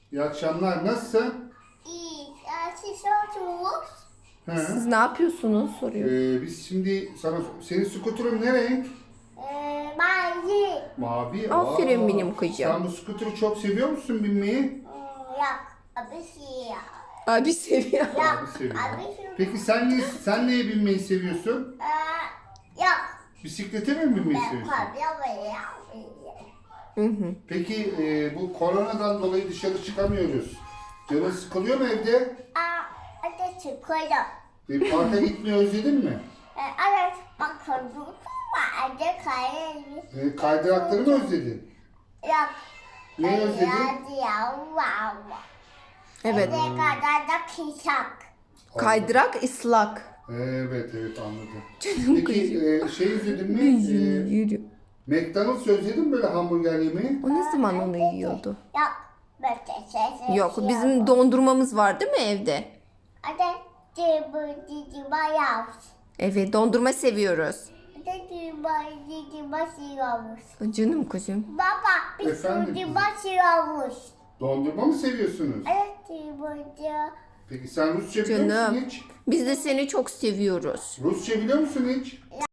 İyi akşamlar. Nasılsın? İyi. Siz oturmuş. He. Siz ne yapıyorsunuz soruyor. Biz şimdi senin skuterın ne renk? Mavi. Mavi. Aferin benim kızım. Sen bu skuteri çok seviyor musun binmeyi? Yok. Abi siyah. Abi seviyor. Abi seviyor. Peki sen neye binmeyi seviyorsun? Yok. Bisiklete mi binmeyi Ben seviyorsun? kopya Hı hı. Peki bu koronadan dolayı dışarı çıkamıyoruz. Canın sıkılıyor mu evde? Hadi çıkıyorum. Parka gitmeyi özledin mi? Evet. Bakıyorum. Hadi kayalım. Kaydırakları mı özledin? Yok. Ne özledin? Hadi ya. Wow. Evet. Ne kadar da kısak. Kaydırak ıslak. Evet anladım. Canım Peki şey özledin mi? Yürü. McDonald's özledin mi böyle hamburger yemeği? O ne zaman onu yiyordu? Yok. Böyle Yok, bizim dondurmamız var değil mi evde? Hadi. Cıbı bayağı. Evet, dondurma seviyoruz. Hadi basıyormuş. Canım kızım. Baba biz Efendim? şimdi basıyormuş. Dondurma mı seviyorsunuz? Evet burada. Peki sen Rusça biliyor musun Canım. hiç? Biz de seni çok seviyoruz. Rusça biliyor musun hiç?